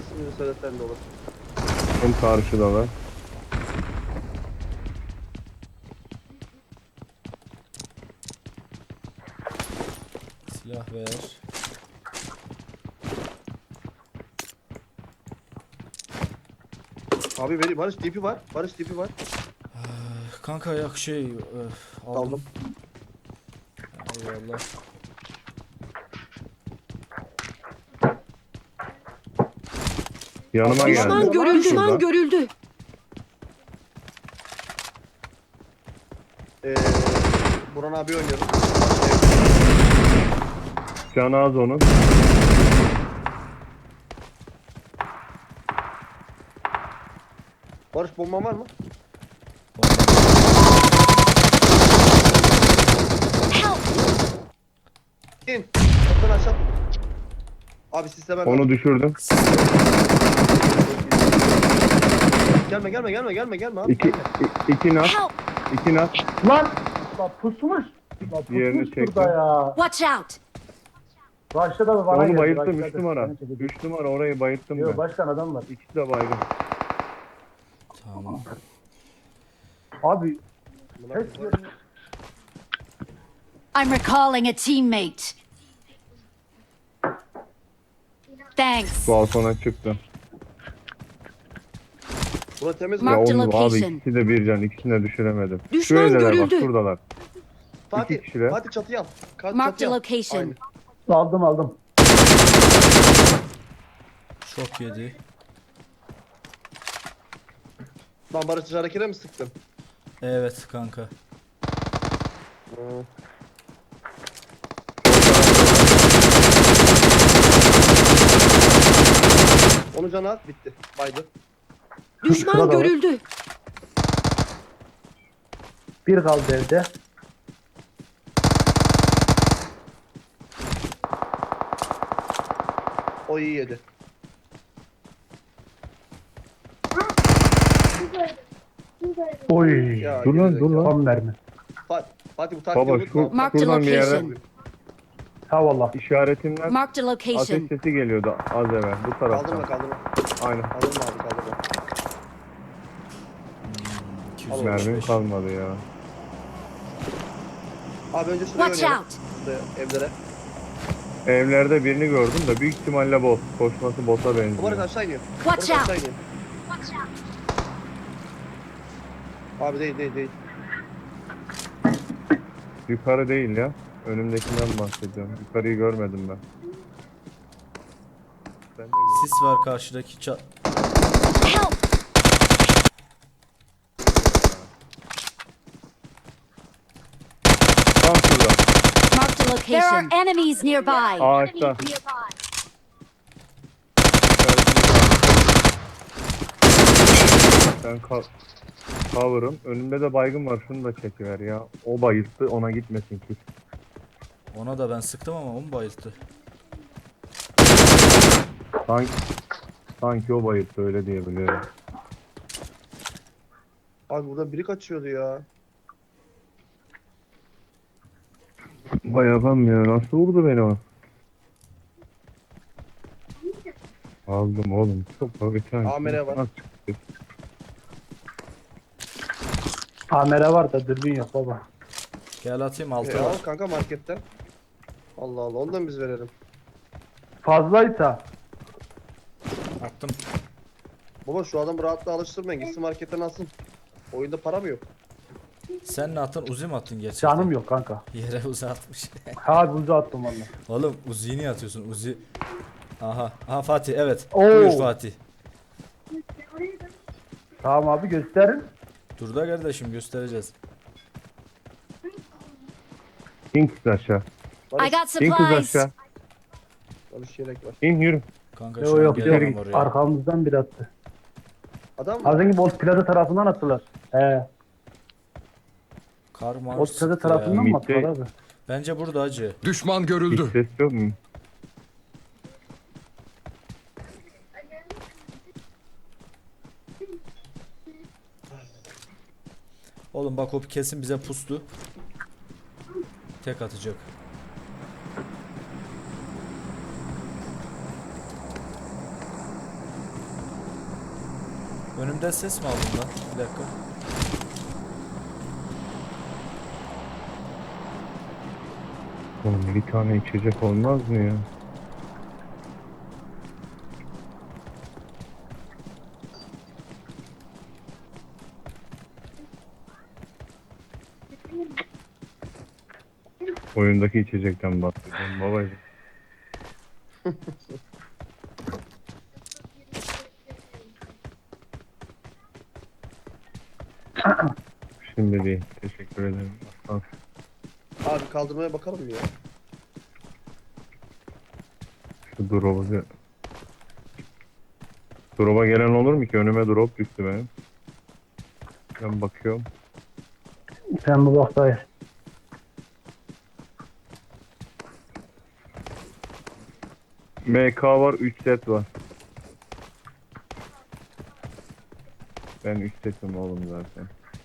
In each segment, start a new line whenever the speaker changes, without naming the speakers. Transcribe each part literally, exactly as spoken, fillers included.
İsmini söylesen de olur.
Hem karşıdalar.
Silah ver.
Abi vereyim. Barış tipi var. Barış tipi var.
Kanka yak şey öf, aldım.
Aldım.
Eyvallah.
Yanıma geldi.
Düşman görüldü. Düşman
Şurada.
görüldü.
Ee, Burhan abi oynuyorum.
Canı az onun.
Barış bomban var mı?
Help!
İn. Kaptan aşağı atladım. Abi sisteme
Onu düşürdüm.
Gelme gelme gelme gelme gelme abi.
İki,
gelme.
i- iki nak.
Help!
İki nak.
Lan! Lan pusmuş. Lan
Diğerini
pusmuş
çektim.
burada ya.
Watch out!
Başta da bana
Onu
geldi,
bayılttım
başladı.
üç numara.
Beni çekecek.
Üç numara orayı bayılttım
Yok
ben.
başkan adam var.
İkisi de baygın.
Tamam.
Abi hiç
I'm recalling a teammate. Thanks.
Balkona çıktı.
Bura temiz mi?
Ya
Mark the
oğlum abi
location.
ikisi de bir can. İkisini de düşüremedim.
Düşman
Şuradalar bak
görüldü.
şuradalar.
Fatih,
iki kişiler.
Fatih çatıya al. Ka-
Mark the
çatıya al.
location.
Aynen.
aldım aldım.
Şok yedi.
Lan Barış harekete mi sıktın?
Evet kanka.
Hı. Onu cana at bitti. Baydı.
Düşman
Şurada var.
görüldü.
Bir kaldı evde.
O iyi yedi.
Oy.
Ya,
Dur lan
gerizekalı.
dur lan.
Tam mermi.
Fatih, Fatih bu taktiği
Baba
unutma.
şu
Mark the
şuradan bir yere
location.
Ha valla.
işaretimden
Marked a
ateş
location.
sesi geliyordu az evvel. Bu
Kaldırma
taraftan.
kaldırma.
Aynen.
Kaldırma abi kaldırma.
iki
Al
yüz
oğlum.
altmış
Mermim
beş.
kalmadı ya.
Abi önce şuraya
Watch
oynayalım.
out!
Şuraya, evlere.
Evlerde birini gördüm de büyük ihtimalle bot. Koşması bota
Bu Barış
benziyor.
aşağı iniyor.
Watch
Barış aşağı
out!
iniyor. Abi değil değil değil.
Yukarı değil ya. Önümdekinden bahsediyorum. Yukarıyı görmedim ben. Ben de gördüm.
Sis var karşıdaki ça...
Help!
Tam şurada.
Marked a location. There are enemies nearby.
Ağaçta. Ben ka cover'ım. Önümde de baygın var. Şunu da çekiver ya. O bayılttı. Ona gitmesin ki.
Ona da ben sıktım ama o mu bayılttı?
Sanki, sanki o bayılttı öyle diyebilirim.
Abi burada biri kaçıyordu ya.
Bayakam ya. Nasıl vurdu beni o? Aldım oğlum. Çok bir tane.
Amele var.
Nasıl çıktı?
Amere var da dürbün yok baba.
Gel atayım
E,
altı
al
var.
kanka marketten. Allah Allah ondan biz verelim.
Fazlaysa
Attım.
Baba şu adamı rahatla alıştırmayın. Gitsin marketten alsın. Oyunda para mı yok?
Sen ne attın? Uzi mi attın gerçekten?
canım yok kanka.
Yere Uzi atmış.
Ha buzu attım valla.
Oğlum Uzi'yi niye atıyorsun? Uzi... Aha. Aha Fatih evet.
Oo.
Buyur Fatih.
Tamam abi gösterin.
Dur da kardeşim göstereceğiz.
İn kız aşağı.
I
Barış,
got
İn kız
supplies.
aşağı.
Barış yelek var.
İn yürü.
Kanka
Yok
şu an
yok
gelemem
yok.
oraya.
Arkamızdan bir attı.
Adam mı?
Az önce Bolt Plaza tarafından attılar. He.
Kar marş
Bolt Plaza
sıktı
tarafından
ya.
mı
Mitte-
attılar abi?
Bence burada acı.
Düşman
Hiç
görüldü.
ses yok mu?
Oğlum bak o kesin bize pustu. Tek atacak. Önümden ses mi aldın lan? Bir dakika.
Oğlum bir tane içecek olmaz mı ya? Oyundaki içecekten bahsediyorum babacığım. Şimdi değil. Teşekkür ederim. Aslan.
Abi kaldırmaya bakalım ya.
Şu drop'a bir... Drop'a gelen olur mu ki? Önüme drop düştü benim. Ben bakıyorum.
Sen bu bak dayı.
M K var, üç set var. Ben üç setim oğlum zaten.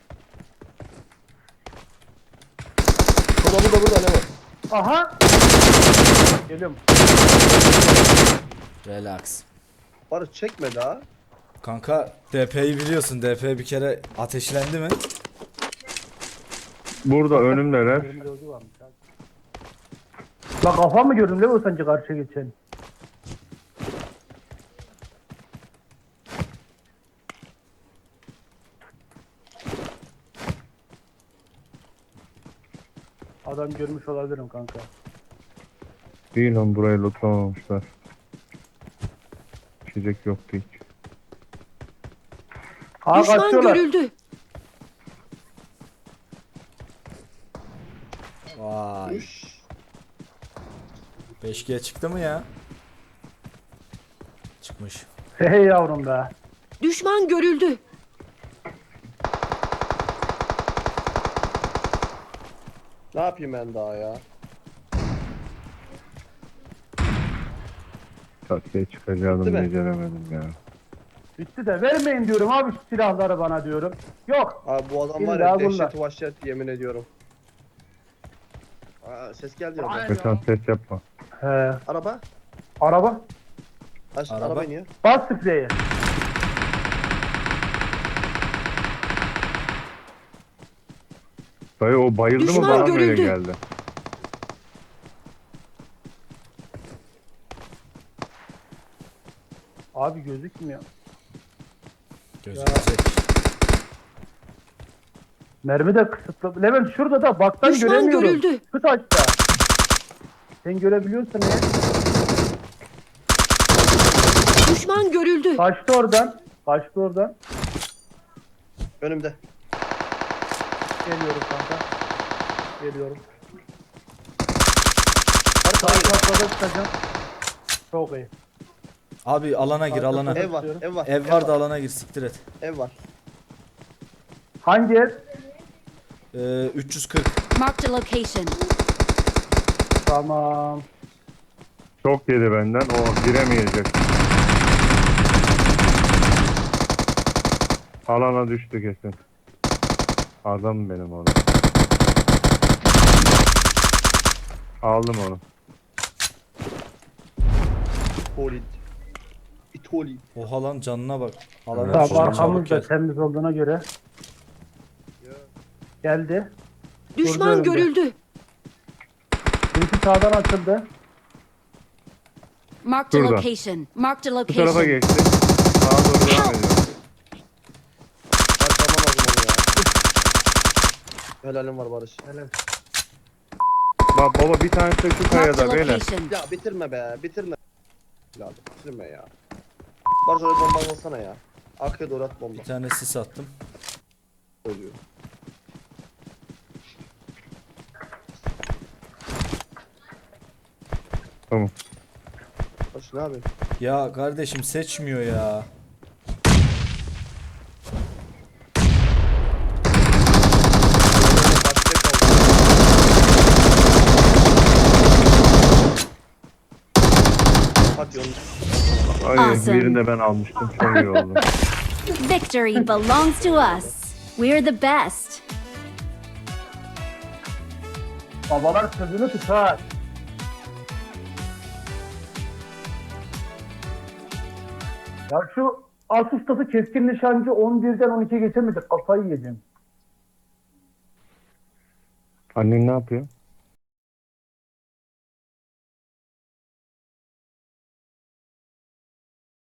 Burada burada burada ne var?
Aha! Geliyorum.
Relax.
Barış çekme daha.
Kanka D P'yi biliyorsun. D P bir kere ateşlendi mi?
Burada önümdeler.
Benim gözü varmış abi. La kafam mı gördün değil mi sence karşıya geçen? Adam görmüş olabilirim kanka.
Değil lan, burayı lootlamamışlar. İçecek yoktu hiç.
Aa
Düşman
kaçıyorlar.
görüldü.
Vay.
Üş.
beş G çıktı mı ya? Çıkmış.
Hey yavrum be.
Düşman görüldü.
Ne yapayım ben daha ya?
Çatıya çıkacağım,
Bitti mi?
beceremedim ya.
Bitti de vermeyin diyorum abi şu silahları bana diyorum. Yok.
Abi bu adam var
İlla
ya
bunlar.
dehşet vahşet yemin ediyorum. Aa, ses geldi ya.
Metan ses yapma.
He.
Araba.
Araba.
Aç,
Araba.
araba iniyor.
Bas spreyi.
Dayı o bayıldı mı,
Düşman
bana mı öyle
görüldü.
geldi?
Abi gözükmüyor.
Gözükecek.
Mermi de kısıtlı. Levent şurada da baktan
Düşman
göremiyorum.
görüldü.
Kıt açta. Sen görebiliyorsun ya.
Düşman görüldü.
Kaçtı oradan. Kaçtı oradan.
Önümde.
Geliyorum kanka. Geliyorum.
Barış
Sağ
abi.
katlarda çıkacağım. Çok iyi.
Abi alana gir alana.
Ev var, ev var.
Ev var da alana gir, siktir et.
Ev var.
Hangi ev?
Ee, üç yüz kırk.
Marked a location.
Tamam.
Çok yedi benden, o giremeyecek. Alana düştü kesin. Adam benim oğlum. Aldım onu.
İtoli. İtoli.
Oha lan, canına bak. Alana
Tamam
düştü,
arkamız
çabuk
da
gel.
temiz olduğuna göre. Geldi.
Düşman
önümde.
görüldü.
Birisi sağdan açıldı.
Marked a
Şurada.
location. Marked a
Bu tarafa
location.
geçti. Sağa doğru devam ediyor.
Barış alman lazım onu ya. Helalim var Barış. Helal.
Bak baba, bir tanesi de şu
Marked a
kayada beyler.
location.
Ya bitirme be, bitirme. Lazım, bitirme ya. Barış oraya bomba alsana ya. Arkaya doğru at bomba.
Bir tane sis attım.
Oluyor.
Tamam.
Barış ne yapıyorsun?
Ya kardeşim seçmiyor ya.
Başka kaldı. Hadi yolun.
Ay,
Awesome.
birini de ben almıştım. Çok iyi oldu.
Victory belongs to us. We're the best.
Babalar sözünü tutar. Ya şu As ustası keskin nişancı on birden on ikiye geçemedik. Kafayı yiyeceğim.
Annen ne yapıyor?